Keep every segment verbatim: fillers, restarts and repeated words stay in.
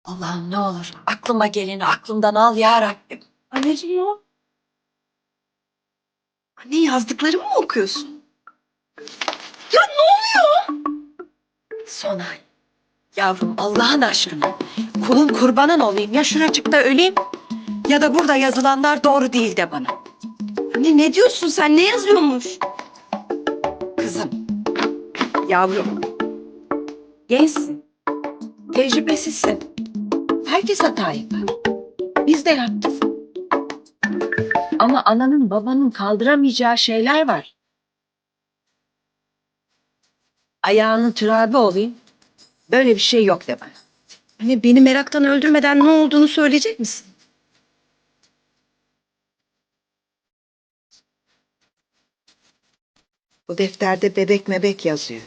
Allah'ım ne olur aklıma geleni aklımdan al ya Rabbim. Anneciğim o. Anne yazdıklarımı mı okuyorsun? Ya ne oluyor? Sonay. Yavrum Allah'ın aşkına. Kulun kurbanın olayım. Ya şuracıkta öleyim ya da burada yazılanlar doğru değil de bana. Anne ne diyorsun sen? Ne yazıyormuş? Kızım. Yavrum. Gençsin. Tecrübesizsin. Herkes hata yapar. Biz de yaptık. Ama ananın babanın kaldıramayacağı şeyler var. Ayağının türabı olayım. Böyle bir şey yok de bana. Anne beni meraktan öldürmeden ne olduğunu söyleyecek misin? Bu defterde bebek mebek yazıyor.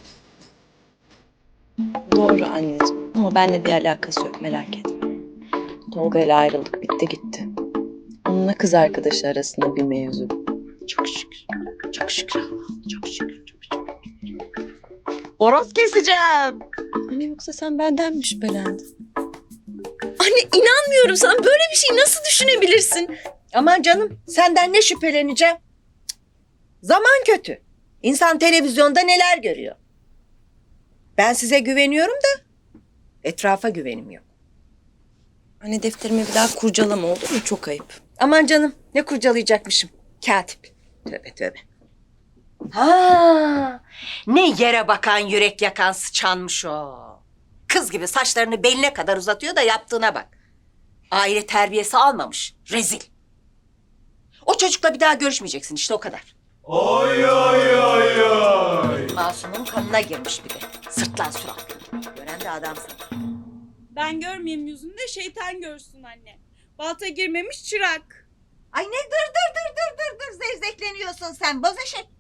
Doğru anneciğim. Ama benimle bir alakası yok, merak etme. Tolga ile ayrıldık, bitti gitti. Onunla kız arkadaşı arasında bir mevzu. Çok şükür. Çok şükür Allah'ım. Çok şükür. Çok şükür. Horoz keseceğim. Anne yoksa sen benden mi şüphelendin? Anne inanmıyorum sana. Böyle bir şey nasıl düşünebilirsin? Aman canım, senden ne şüpheleneceğim? Cık. Zaman kötü. İnsan televizyonda neler görüyor. Ben size güveniyorum da etrafa güvenim yok. Anne defterimi bir daha kurcalama olur mu? Çok ayıp. Aman canım, ne kurcalayacakmışım. Katip. Tövbe tövbe. Ha, Ne yere bakan, yürek yakan sıçanmış o. Kız gibi saçlarını beline kadar uzatıyor da yaptığına bak. Aile terbiyesi almamış. Rezil. O çocukla bir daha görüşmeyeceksin işte o kadar. Oy oy oy oy. Masumun kanına girmiş bir de. Sırtlan surat. Gören de adam sanır. Ben görmeyeyim yüzünde şeytan görsün anne. Balta girmemiş çırak. Ay ne dır dır dır dır dır dır zevzekleniyorsun sen boz eşek.